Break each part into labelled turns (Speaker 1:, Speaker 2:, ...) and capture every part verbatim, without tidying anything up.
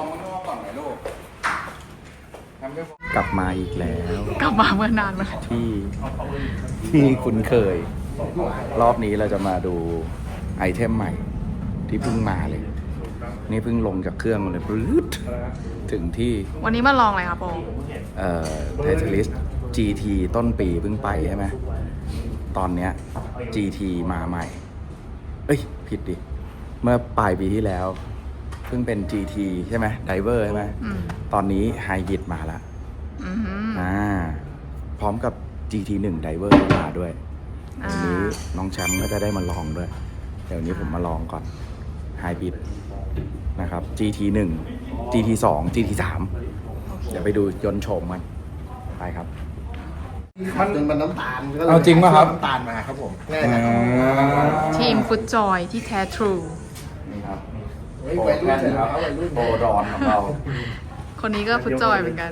Speaker 1: องข้างนอกก่อนไหมลูกกลับมาอีกแล้ว
Speaker 2: กลับมาเมื่อนานมา
Speaker 1: ที่ที่คุ้นเคย รอบนี้เราจะมาดูไอเทมใหม่ที่เพิ่งมาเลย นี่เพิ่งลงจากเครื่องมาเลยปลื้ดถึงที่
Speaker 2: วันนี้มาลองอะไรครับโป
Speaker 1: เอ่อไทเทลิส จี ที ต้นปีเพิ่งไปใช่ไหมตอนเนี้ย จี ที มาใหม่ เอ้ย ผิดดิ เมื่อปลายปีที่แล้ว เพิ่งเป็น จี ที ใช่ไหมไดเวอร์ใช่ไหม
Speaker 2: อืม
Speaker 1: ตอนนี้ไฮบริดมาแล้ว
Speaker 2: อือหือ
Speaker 1: อ่า พร้อมกับ จี ที หนึ่ง ไดเวอร์มาด้วย
Speaker 2: อ่า
Speaker 1: วันนี้น้องแชมป์ก็จะได้มาลองด้วย เดี๋ยวนี้ผมมาลองก่อนไฮบริดนะครับ จี ที หนึ่ง จี ที สอง จี ที สาม เดี๋ยวไปดูยนต์โฉมกันไปครับ
Speaker 3: มันมันน้ำตาลก็ลย
Speaker 1: เอาจริงป่ะครับ
Speaker 3: น้ำตาลมาครับผมง่ายนะ
Speaker 2: ทีมฟุตจอยที่แท้ทรู
Speaker 1: นี่ครับ
Speaker 3: เฮ้ยวัยรุ่นเลยครับวัยรุ่น
Speaker 1: โบรอนของเรา
Speaker 2: คนนี้ก็ฟุตจอยเหมือนกัน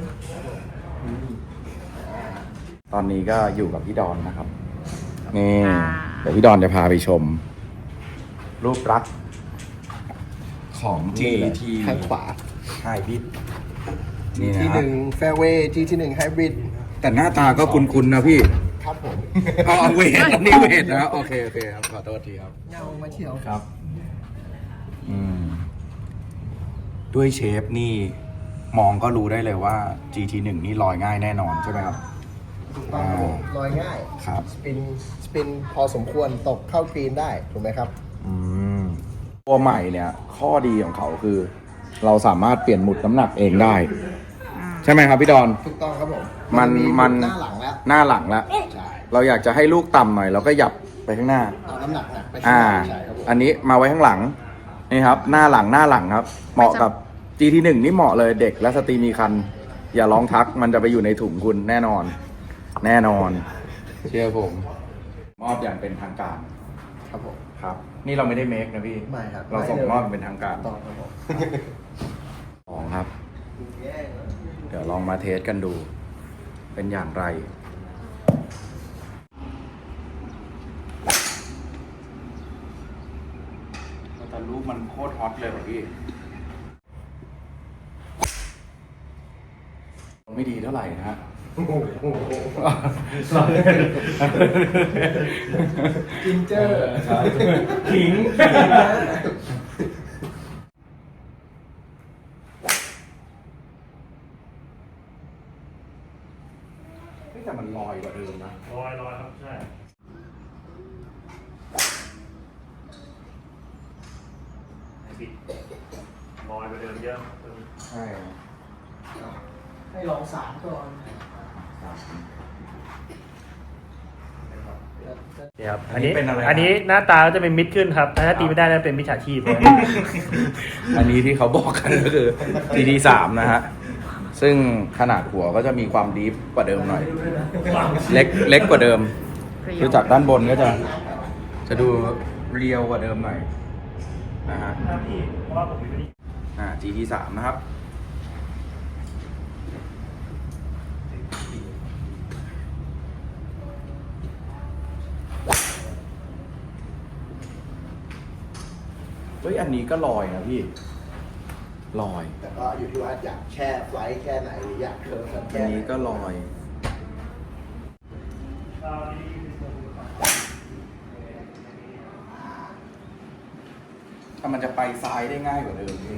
Speaker 1: ตอนนี้ก็อยู่กับพี่ดอนนะครับ นี่
Speaker 2: อ่า
Speaker 1: เดี๋ยวพี่ดอนจะพาไปชม รูปลักษณ์ของ จี ที
Speaker 3: ข้างขวา
Speaker 1: ไฮบริดนี่
Speaker 3: ที่
Speaker 1: นะ
Speaker 3: หนึ่งแฟร์เวย์ที่ที่หนึ่งไฮบริด
Speaker 1: แต่หน้าตาก็คุ้นๆนะพี่
Speaker 3: ครับผม
Speaker 1: อ๋อเวทอันนี้เวทนะโอเคโอเคครับขอโทษทีครับ
Speaker 3: เงามาเที่ยว
Speaker 1: ครับ อืม ด้วยเชฟนี่มองก็รู้ได้เลยว่า จี ที หนึ่ง นี่ลอยง่ายแน่นอนใช่ไหมครับ
Speaker 3: ถูกต้องครับผมลอยง่าย
Speaker 1: ครับ
Speaker 3: สปินสปินพอสมควรตกเข้ากรีนได้ถูกไหมครับ
Speaker 1: อืม ตัวใหม่เนี่ย ข้อดีของเขาคือ เราสามารถเปลี่ยนหมุดน้ำหนักเองได้ ใช่ไหมครับพี่ดอน
Speaker 3: ถูกต้องครับผม
Speaker 1: มัน
Speaker 3: ห
Speaker 1: มัน
Speaker 3: หน้าหลังแล้ว
Speaker 1: หน้าหลังแล้ว
Speaker 3: ใช่
Speaker 1: เราอยากจะให้ลูกต่ำหน่อยเราก็หยับไปข้างหน้า
Speaker 3: เอาน้ำหนักนะไป
Speaker 1: อ่า
Speaker 3: ใช่ครับผม
Speaker 1: อันนี้มาไว้ข้างหลัง นี่ครับ หน้าหลังหน้าหลังครับ เหมาะกับ จี ที หนึ่ง นี่เหมาะเลยเด็กและสตรีมีคัน อย่าลองทักมันจะไปอยู่ในถุงคุณแน่นอน แน่นอน เชื่อผม มอบอย่างเป็นทางการ
Speaker 3: ครับผม
Speaker 1: ครับ นี่เราไม่ได้เมคนะพี่
Speaker 3: ไม่ครับ
Speaker 1: เราส่ง
Speaker 3: ไม่เลย
Speaker 1: มอบอย่างเป็นทางการ
Speaker 3: ถูกต้องครับผม
Speaker 1: ของครับ เดี๋ยวลองมาเทสกันดู เป็นอย่างไร แต่รูปมันโคตรฮอตเลยว่ะพี่ ไม่ดีเท่าไหร่นะฮะ
Speaker 3: จินเจอร์
Speaker 1: ขิงแต่มันลอยกว่าเดิมนะ
Speaker 4: ลอยลอยครับ ใช่ไอ้บิดลอยไปเดินเยอะ
Speaker 1: ใช่
Speaker 3: ให้ลองสามก่อน
Speaker 4: ครับ
Speaker 1: อันนี้เป็นอะไร
Speaker 4: อันนี้หน้าตาก็จะเป็นมิดขึ้นครับ ถ้าตีไม่ได้จะเป็นมิจฉาชีพ
Speaker 1: อันนี้ที่เขาบอกกันก็คือ จี ที สาม นะฮะ ซึ่งขนาดหัวก็จะมีความดีฟกว่าเดิมหน่อย เล็กเล็กกว่าเดิม คือจากด้านบนก็จะ จะดูเรียวกว่าเดิมหน่อยนะฮะ
Speaker 4: เพราะว่าผมไม่ได้
Speaker 1: อ่า จี ที สาม นะครับ เฮ้ย อันนี้ก็ลอยนะพี่ ลอย
Speaker 3: แต่ก็อยู่ที่ว่าอยากแช่ไฟล์แค่ไหนหรืออยากเคิร์ฟสัก
Speaker 1: อั
Speaker 3: แค่
Speaker 1: น
Speaker 3: ไหน
Speaker 1: นี้ก็ลอย ถ้ามันจะไปซ้ายได้ง่ายกว่าเดิมพี่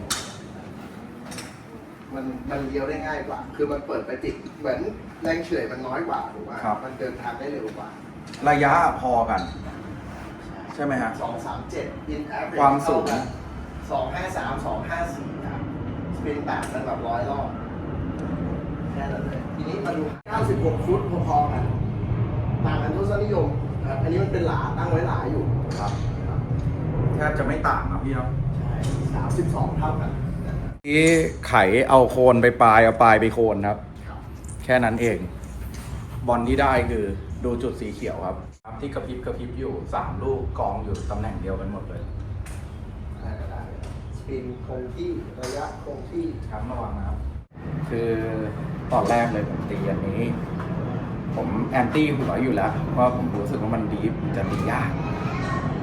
Speaker 3: มันมันเลี้ยวได้ง่ายกว่า คือมันเปิดไปติดเหมือนแรงเฉื่อยมันน้อยกว่าถูกไหมมันเดินทางได้เร็วกว่า
Speaker 1: ระยะพอกัน ใช่ไหมฮะ
Speaker 3: สองสามเจ็ดอินแอฟ
Speaker 1: ความสูง
Speaker 3: สองห้าสามสองห้าสี่ครับสปินแปดมันแบบร้อยรอบแค่นั้นเลย ทีนี้มาดูเก้าสิบหกฟุตพอๆกันต่างกันทศนิยมครับอันนี้มันเป็นหลาตั้งไว้หลาอยู่
Speaker 1: ครับแทบจะไม่ต่างครับพี่ครับ
Speaker 3: ใช่สามสิบสองเท่ากัน
Speaker 1: ที่ไขเอาโคนไปปลายเอาปลายไปโคนครับ แค่นั้นเอง บอลที่ได้คือดูจุดสีเขียวครับ ที่กระพริบกระพริบอยู่สามลูกกองอยู่ตำแหน่งเดียวกันหมดเลย
Speaker 3: ได้ก็ได้สปินคงที่ระยะคงที่
Speaker 1: ครับระวังนะครับ คือตอนแรกเลยผมตีอันนี้ ผมแอนตี้หัวอยู่แล้ว เพราะผมรู้สึกว่ามันดีฟจะตียาก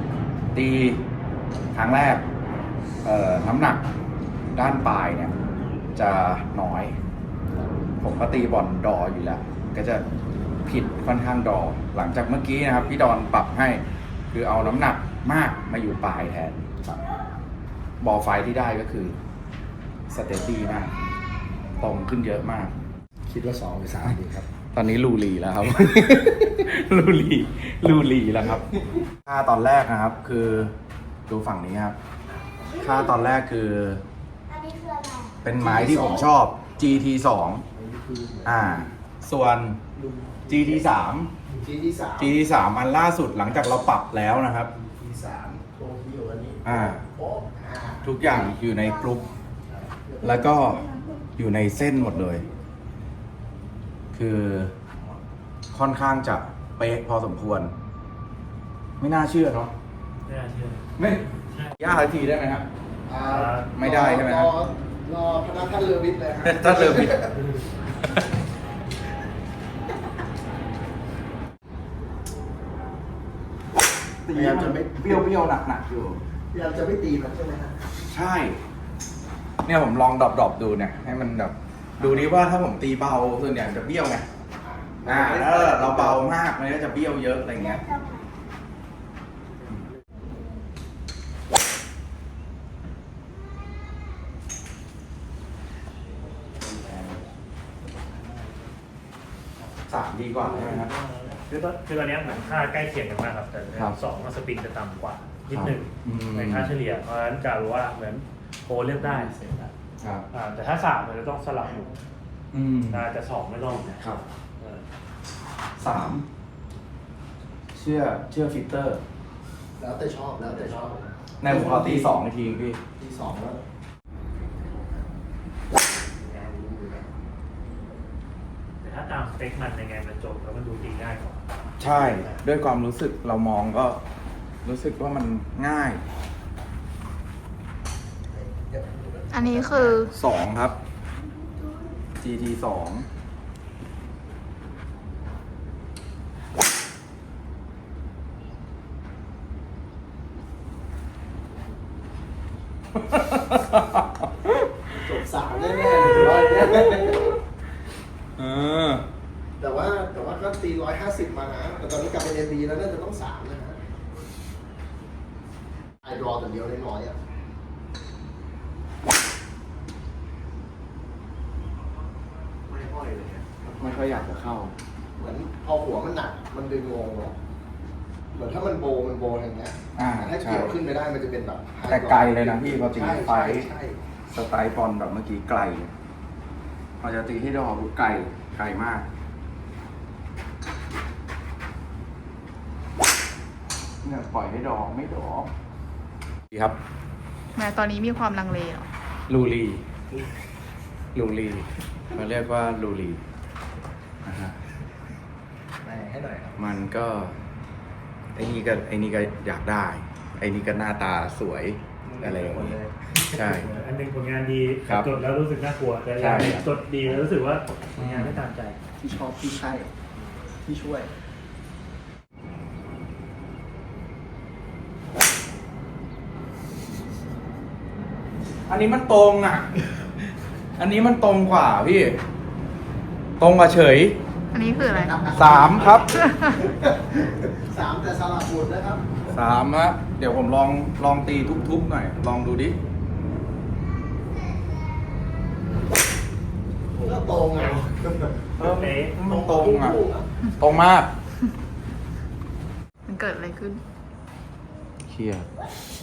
Speaker 1: ตีครั้งแรก เอ่อน้ำหนักด้านปลายเนี่ยจะน้อย ผมก็ตีบอลดออยู่แล้ว ก็จะผิดค่อนข้างดอ หลังจากเมื่อกี้นะครับ พี่ดอนปรับให้ คือเอาน้ำหนักมากมาอยู่ปลายแทนครับบอลไฟที่ได้ก็คือสเตตตี้มากตรงขึ้นเยอะมาก
Speaker 3: คิดว่าสองหรือสามดีครับ
Speaker 1: ตอนนี้ลูลีแล้วครับ ลูลีลูลีแล้วครับ ค่าตอนแรกนะครับ คือดูฝั่งนี้ครับ ค่าตอนแรกคือ เป็นไม้ที่ผมชอบ จี ที สอง อ่า ส่วน จี ที สาม
Speaker 3: จีที่สาม
Speaker 1: จี ที สาม อันล่าสุดหลังจากเราปรับแล้วนะครับ
Speaker 3: จีสามโตเกียวอันนี้
Speaker 1: อ่า
Speaker 3: โป๊ะอ่า
Speaker 1: ทุกอย่างอยู่ในกรุ๊ป แล้วก็อยู่ในเส้นหมดเลย คือค่อนข้างจะเป๊ะพอสมควร ไม่น่าเชื่อเนาะ
Speaker 4: ไม่น่าเชื่อ
Speaker 1: ไม่ยากทีได้ไหมครับ
Speaker 3: อ่า
Speaker 1: ไม่ได้ใช่ไหม
Speaker 3: ร
Speaker 1: ครับ
Speaker 3: อรอพนักท่านเรือวิทย์เลยครับ
Speaker 1: ถ้าเริ่มผิดตีมันเบี้ยวเบี้ยวหนักหนักๆอยู่
Speaker 3: พยายามจะไม่ตีมันใช่ไหมฮะ
Speaker 1: ใช่ เนี่ยผมลองดรอปดรอปดูเนี่ย ให้มันแบบดูดิว่าถ้าผมตีเบาส่วนใหญ่มันจะเบี้ยวไง อ่าแล้วเราเบามากมันก็จะเบี้ยวเยอะอะไรเงี้ย สามดีกว่าใช่ไหมครับ
Speaker 4: คือตอนคือตอนเนี้ยเหมือนค่าใกล้เคียงกันมากครับ แต่
Speaker 1: ครับ
Speaker 4: สองสปินจะต่ำกว่านิดหนึ่ง
Speaker 1: อืม
Speaker 4: ในค่าเฉลี่ย เพราะฉะนั้นจะรู้ว่าเหมือนโพเลือกได้เสร็จแล้ว
Speaker 1: ครับ
Speaker 4: อ่าแต่ถ้าสามมันจะต้องสลับอยู่
Speaker 1: อืม
Speaker 4: อ่าแต่สองไม่ต้อง
Speaker 1: ครับ
Speaker 4: เออ
Speaker 1: สามเชื่อเชื่อฟิลเตอร์
Speaker 3: แล้วแต่ชอบแล้วแต่ชอบ
Speaker 1: ในผมขอตีสองนาทีพี่
Speaker 3: ที่สองแล้ว
Speaker 4: แต่ถ้าตามสเปคมันยังไงมันจบแล้วมันดูตีง่ายกว่า
Speaker 1: ใช่ ด้วยความรู้สึกเรามองก็รู้สึกว่ามันง่าย
Speaker 2: อันนี้คือ
Speaker 1: สองครับ จี ที สอง
Speaker 3: จบสามแน่ๆเลยร้อยแน่
Speaker 1: เออ
Speaker 3: แต่ว่าแต่ว่าก็ตีร้อยห้าสิบมานะ แต่ตอนนี้กลับไปเอ็นดีแล้วน่าจะต้องสามนะฮะไอรอแต่เดียวได้น้อยอ่ะ ไม่ห้อยเลยเนี่ย
Speaker 1: ไม่ค่อยอยากจะเข้า
Speaker 3: เหมือนพอหัวมันหนัก มันดึงงงเนาะเหมือนถ้ามันโบมันโบอย่างเงี้ย
Speaker 1: อ่า
Speaker 3: แต่ถ้า
Speaker 1: ใช่
Speaker 3: เกี่ยวขึ้นไปได้มันจะเป็นแบบ
Speaker 1: แต่ไกลเลยนะพี่พอตี
Speaker 3: ใช่
Speaker 1: ไฟ
Speaker 3: ใช่ใช่
Speaker 1: สไตล์บอลแบบเมื่อกี้ไกลพอจะตีให้ดอกไกลไกลมาก เนี่ยปล่อยให้ดอกไม่ดอกดีครับ
Speaker 2: แม้ตอนนี้มีความลังเลเหรอ
Speaker 1: ลูรีลูรีเขาเรียกว่าลูรีนะฮะ
Speaker 3: ไหนให้หน่อยครับ
Speaker 1: มันก็ไอ้นี่ก็ไอ้นี่ก็อยากได้ ไอ้นี่ก็หน้าตาสวยอะไรอย่างนี้ใช่
Speaker 4: อันหนึ่งผลงานดี
Speaker 1: ครับ
Speaker 4: จดแล้วรู้สึกน่ากลัว แต่
Speaker 1: ใช่
Speaker 4: อย่างหนึ่งจดดีแล้วรู้สึกว่าผลงานไม่ตามใจ
Speaker 3: ที่ชอบที่ใช่ ที่ช่วย
Speaker 1: อันนี้มันตรงอ่ะ อันนี้มันตรงกว่าพี่ ตรงกว่าเฉย
Speaker 2: อันนี้คืออะไร
Speaker 1: สามครับ
Speaker 3: สามแต่สลับหมดนะครับ
Speaker 1: สามฮะเดี๋ยวผมลองลองตีทุบๆหน่อย ลองดูดิ
Speaker 3: ก็ตรงไง
Speaker 1: เออมันตรงอ่ะ ตรงมาก
Speaker 2: มันเกิดอะไรขึ้น
Speaker 1: เครียด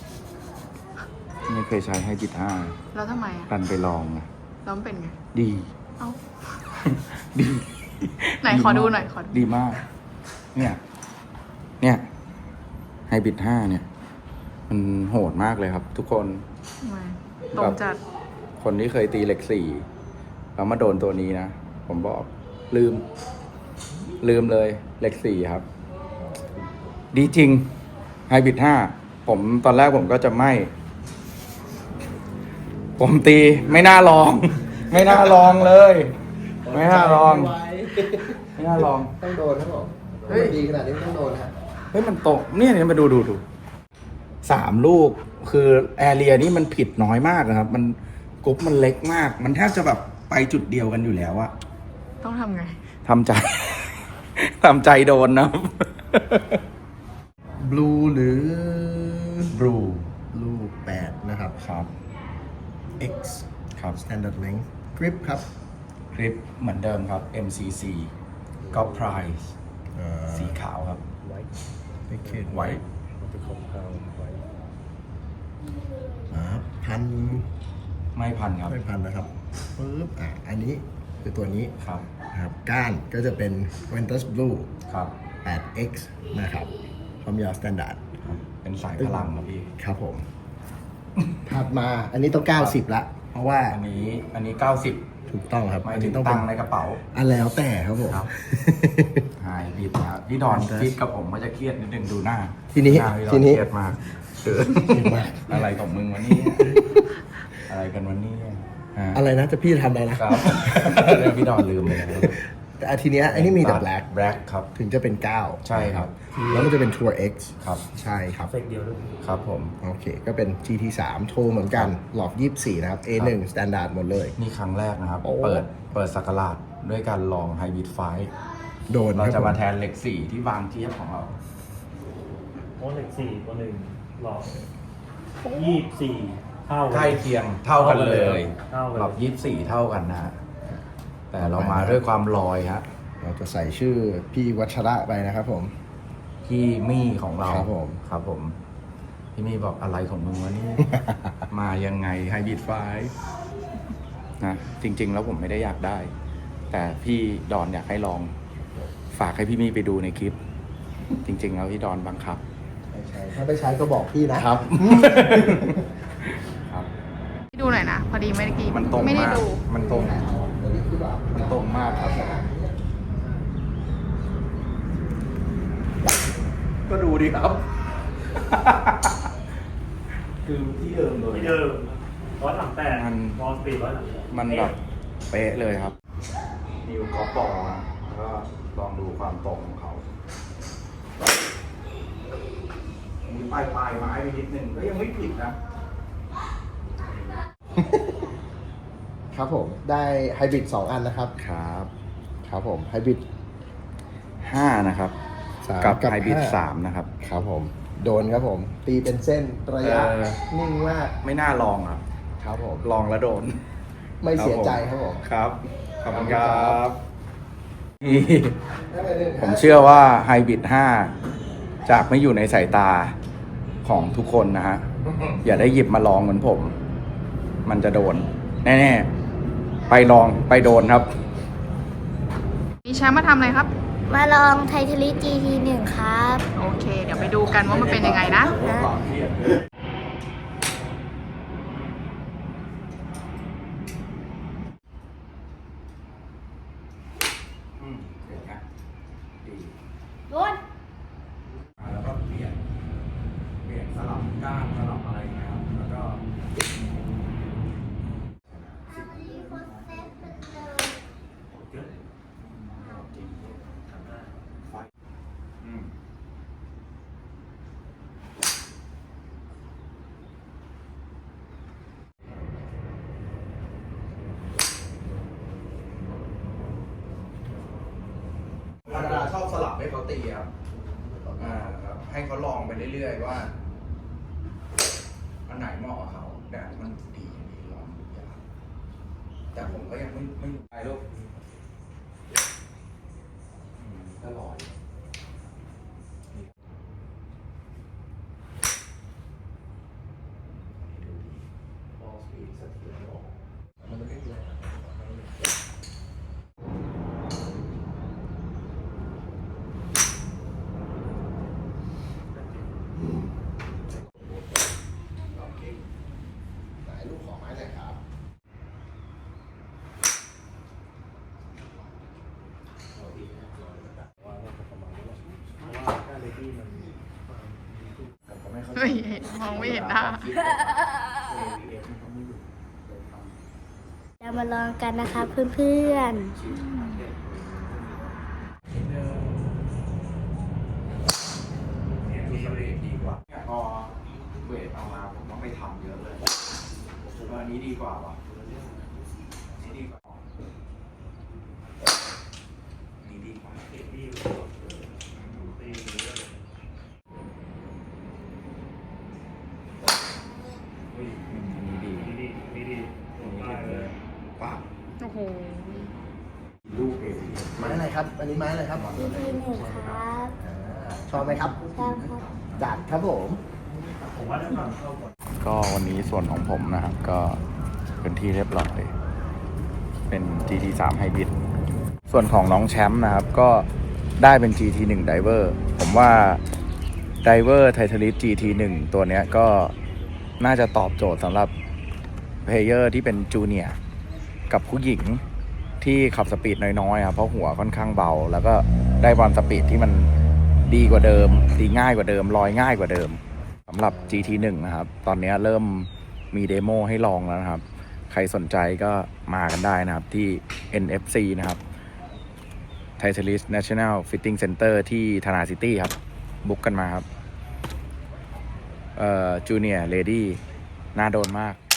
Speaker 1: ไม่เคยใช้ให้จิตห้า
Speaker 2: แล้วทำไมอ่ะ
Speaker 1: ดันไปลองนะ
Speaker 2: แล้วมันเป็นไง
Speaker 1: ดี
Speaker 2: เอ้า
Speaker 1: ดี
Speaker 2: ไหนขอดูหน่อยขอดู
Speaker 1: ดีมาก เนี่ย เนี่ยไฮบิดห้าเนี่ย มันโหดมากเลยครับ ทุกคน
Speaker 2: ทำไมตรงจัด
Speaker 1: คนที่เคยตีเหล็กสี่แล้วมาโดนตัวนี้นะ ผมบอกลืม ลืมเลยเหล็กสี่ครับ ดีจริงไฮบิดห้าผมตอนแรกผมก็จะไม่ ผมตีไม่น่าลอง ไม่น่าลองเลย ไม่น่าลอง ไม่น่าลอง
Speaker 3: ต้องโดนครับผม
Speaker 1: เฮ้ย
Speaker 3: ดีขนาดนี้ไม่ต้องโดนฮะ
Speaker 1: เฮ้ยมันตกเนี่ยเนี่ยมาดูดูดูสามลูกคือแอเรียนี่มันผิดน้อยมากนะครับ มันกกรุ๊ปมันเล็กมาก มันแทบจะแบบไปจุดเดียวกันอยู่แล้วอะ
Speaker 2: ต้องทำไง
Speaker 1: ทำใจ ทำใจโดนนะ
Speaker 3: blue หรือ
Speaker 1: blue
Speaker 3: blue แปดนะครับ
Speaker 1: ครับ
Speaker 3: X
Speaker 1: ครับ
Speaker 3: standard length grip ครับ
Speaker 1: คลิปเหมือนเดิมครับ เอ็ม ซี ซี ก็ price
Speaker 3: เอ่อ
Speaker 1: สีขาวครับ
Speaker 3: Naked
Speaker 1: ไว้
Speaker 4: มันจะคงเขาไว้
Speaker 3: อ่าพัน
Speaker 1: ไม่พันครับ
Speaker 3: ไม่พันนะครับปึ๊บอ่ะอันนี้คือตัวนี้
Speaker 1: ครับ
Speaker 3: นะครับก้านก็จะเป็น Ventus Blue
Speaker 1: ครับ
Speaker 3: แปด X นะครับความยาว standard
Speaker 1: ครับ เป็นสายพลังครับพี่
Speaker 3: ครับผม ถัดมาอันนี้ต้อง เก้าสิบ ละ เพราะว่า
Speaker 1: อันนี้อันนี้เก้าสิบ
Speaker 3: ถูกต้องครับ
Speaker 1: ไม่
Speaker 3: อัน
Speaker 1: ถึ
Speaker 3: นี้
Speaker 1: ง
Speaker 3: ต้อง
Speaker 1: ตั
Speaker 3: เป็
Speaker 1: ง
Speaker 3: น
Speaker 1: ค์ในกระเป๋า
Speaker 3: อันแล้วแต่ครับผม
Speaker 1: ครับ หายบิดนะครับพี่ดอนฟิตกับผมก็จะเครียดนิดนึงดูหน้า
Speaker 3: ทีนี้
Speaker 1: หาพี่ดอ
Speaker 3: ทีนี้
Speaker 1: เครียดมากเกิน
Speaker 3: เครียดมาก
Speaker 1: อะไรของมึงวันนี้ อะไรกันวันนี้ฮะ
Speaker 3: อะไรนะจะพี่จะทำอะไรนะ
Speaker 1: ครับ เรื่องพี่ดอนลืมไปแล้ว
Speaker 3: แต่อาทีเนี้ยอันนี้มีแต่ black
Speaker 1: black ครับ
Speaker 3: ถึงจะเป็น เก้า
Speaker 1: ใช่ครับ
Speaker 3: แล้วมันจะเป็น Tour X
Speaker 1: ครับ
Speaker 3: ใช่ครับ
Speaker 4: เฟกเดียวด้วย
Speaker 1: ครับผม
Speaker 3: โอเค ก็เป็น จี ที สาม โทรเหมือนกัน หลอกยี่สิบสี่นะครับ เอ หนึ่ง standard หมดเลย
Speaker 1: นี่ครั้งแรกนะครับ
Speaker 3: โอ้
Speaker 1: เปิดเปิดสักราชด้วยการลองไฮบริดไฟ
Speaker 3: โดน
Speaker 1: เรา
Speaker 3: ค
Speaker 1: จะ
Speaker 3: บ
Speaker 1: มาแทนเหล็กสี่ที่วางเทียบของเรา
Speaker 4: โอ้เหล็กสี่ตัวหนึ่งหลอกยี่สิบสี่เท่า
Speaker 1: ใกล้เคียงเท่ากันเลย
Speaker 4: เท่ากัน
Speaker 1: หลับยี่สิบสี่เท่ากันนะฮะแต่เรามาด้วยความลอยฮะ
Speaker 3: เราจะใส่ชื่อพี่วัชระไปนะครับผม
Speaker 1: พี่มี่ของเรา
Speaker 3: ครับผม
Speaker 1: ครับผม พี่มี่บอกอะไรของมึงวะ เนี่ย มายังไงไฮบริดไฟนะจริง ๆ แล้วผมไม่ได้อยากได้ แต่พี่ดอนอยากให้ลอง ฝากให้พี่มี่ไปดูในคลิป จริง ๆ แล้วพี่ดอนบังคับ
Speaker 3: ไม่ใช่ถ้าไม่ใช้ก็บอกพี่นะ
Speaker 1: ครับ ครับ
Speaker 2: ดูหน่อยนะ พอดีเมื่อกี้
Speaker 1: มันตรง
Speaker 2: ไม่ได้
Speaker 1: มาก
Speaker 2: ดู
Speaker 1: มันตรง
Speaker 3: ตัวนี้คือแบบ
Speaker 1: มันตรงมากครับ ก็ดูดิครับ คือที่เดิมเลย
Speaker 4: ที่เดิมร้อยสามแปด
Speaker 1: มัน
Speaker 4: วอลสปีดร้อยสามแปด
Speaker 1: มันแบบเป๊ะเลยครับ นิวกอล์ฟบอลนะแล้วก็ลองดูความตรงของเขา มีปลายปลายไม้ไปนิดนึงก็ยังไม่ผิดนะ
Speaker 3: ครับผม ได้ไฮบริดสองอันนะครับ
Speaker 1: ครับ
Speaker 3: ครับผม ไฮบริด
Speaker 1: ห้านะครับ
Speaker 3: สาม
Speaker 1: กับ
Speaker 3: กับ
Speaker 1: ไฮบริด
Speaker 3: ห้า
Speaker 1: สามนะครับ
Speaker 3: ครับผม โดนครับผม ตีเป็นเส้นระยะ
Speaker 1: เออ
Speaker 3: นิ่งมาก
Speaker 1: ไม่น่าลองอ่ะ
Speaker 3: ครับผม
Speaker 1: ลองแล้วโดน
Speaker 3: ไม่เสียใจครับผม
Speaker 1: ครับ ขอบคุณค
Speaker 3: ขอบคุณครั
Speaker 1: รับ บ ผมเชื่อว่าไฮบริดห้าจากไม่อยู่ในสายตาของทุกคนนะฮะ อย่าได้หยิบมาลองเหมือนผม มันจะโดน แน่ๆ ไปลองไปโดนครับ
Speaker 2: มีแชมป์มาทำอะไรครับ
Speaker 5: มาลองไททาริ จี ที หนึ่งครับ
Speaker 2: โอเค เดี๋ยวไปดูกันว่ามันเป็นยังไงนะ
Speaker 1: อืมเห็นไหมดี
Speaker 5: โดน
Speaker 1: แล้วก็เปลี่ยน เปลี่ยนสลับก้านสลับอะไรอย่างเงี้ยครับแล้วก็
Speaker 4: เยอะ
Speaker 1: อืมธรรมดาชอบสลับให้เขาตีครับ อ่าครับให้เขาลองไปเรื่อยๆว่า อันไหนเหมาะกับเขาแต่มันดีดีลองทุกอย่างแต่ผมก็ยังไม่ไม่ไปลูกอืมก็ลอยดูดีบอลสปีดสะเทือนออกมันไม่ได้เลย
Speaker 3: ไหนลูกของไม้หน่อยครับ
Speaker 4: ว่าน่าจะประมาณนี้แหละเพราะว่าค่าเลดี้มัน
Speaker 1: ผมก็ไม่เข้าใจ
Speaker 2: ไม่เห็นมองไม่เห็นหน้า
Speaker 5: เรามาลองกันนะคะเพื่อน
Speaker 1: เนี่ยมีเวทดีกว่าเนี่ยพอเวทเอามาผมต้องไปทำเยอะเลยผมว่าอันนี้ดีกว่าว่ะ
Speaker 5: ๆ
Speaker 3: ครับ อันนี้ไม้อะไรครับ
Speaker 5: จี ที หนึ่งครับ
Speaker 3: ชอบไหมครับ
Speaker 5: ชอบครับ
Speaker 3: จัดครับผม
Speaker 4: ผมว่าจะก่อนเข้าก่อน
Speaker 1: ก็วันนี้ส่วนของผมนะครับ ก็เป็นที่เรียบร้อยเป็น จี ที สาม Hybrid ส่วนของน้องแชมป์นะครับ ก็ได้เป็น จี ที หนึ่ง Diver ผมว่า Diver Titalis จี ที หนึ่ง ตัวเนี้ยก็น่าจะตอบโจทย์สำหรับเพลเยอร์ที่เป็นจูเนียร์กับผู้หญิงที่ขับสปีดน้อยๆครับเพราะหัวค่อนข้างเบา แล้วก็ได้บอลสปีดที่มันดีกว่าเดิมตีง่ายกว่าเดิมลอยง่ายกว่าเดิมสำหรับ จี ที หนึ่ง นะครับ ตอนนี้เริ่มมีเดโมให้ลองแล้วนะครับ ใครสนใจก็มากันได้นะครับที่ เอ็น เอฟ ซี นะครับ Titalis National Fitting Center ที่ธนาซิตี้ครับ บุ๊กกันมาครับ เอ่อ Junior Lady น่าโดนมาก